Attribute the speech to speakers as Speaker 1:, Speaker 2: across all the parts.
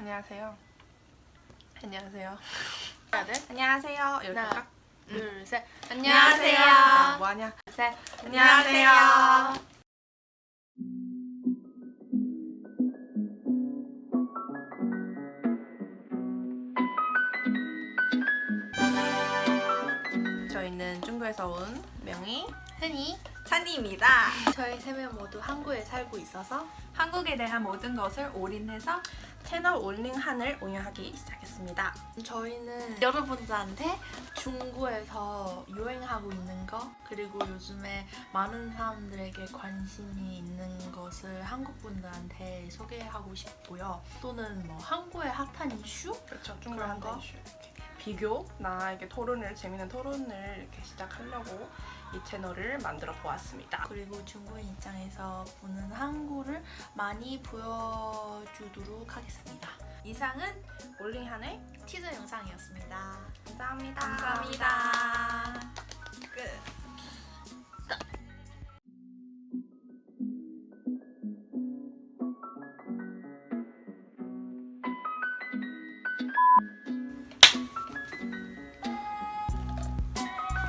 Speaker 1: 안녕하세요. 안녕하세요.
Speaker 2: 해야 돼?
Speaker 1: 안녕하세요. 이렇게
Speaker 2: 하나,
Speaker 1: 딱.
Speaker 2: 둘, 셋.
Speaker 1: 안녕하세요.
Speaker 2: 안녕하세요.
Speaker 1: 뭐하냐?
Speaker 2: 셋.
Speaker 1: 안녕하세요. 저희는 중국에서 온 명희,
Speaker 2: 흔히
Speaker 3: 찬이입니다.
Speaker 2: 저희 세 명 모두 한국에 살고 있어서
Speaker 3: 한국에 대한 모든 것을 올인해서
Speaker 1: 채널 올링한을 운영하기 시작했습니다.
Speaker 2: 저희는 여러분들한테 중국에서 유행하고 있는 거 그리고 요즘에 많은 사람들에게 관심이 있는 것을 한국 분들한테 소개하고 싶고요. 또는 뭐 한국의 핫한 이슈?
Speaker 1: 그렇죠. 중국
Speaker 2: 그런
Speaker 1: 한국
Speaker 2: 거?
Speaker 1: 이슈. 이렇게 비교나 이렇게 토론을 재밌는 토론을 이렇게 시작하려고 이 채널을 만들어 보았습니다.
Speaker 2: 그리고 중국인 입장에서 보는 한국을 많이 보여주도록 하겠습니다. 이상은
Speaker 1: 올링한의
Speaker 2: 티저 영상이었습니다.
Speaker 1: 감사합니다.
Speaker 3: 감사합니다. 끝.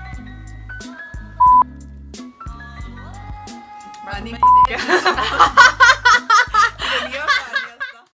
Speaker 1: 많이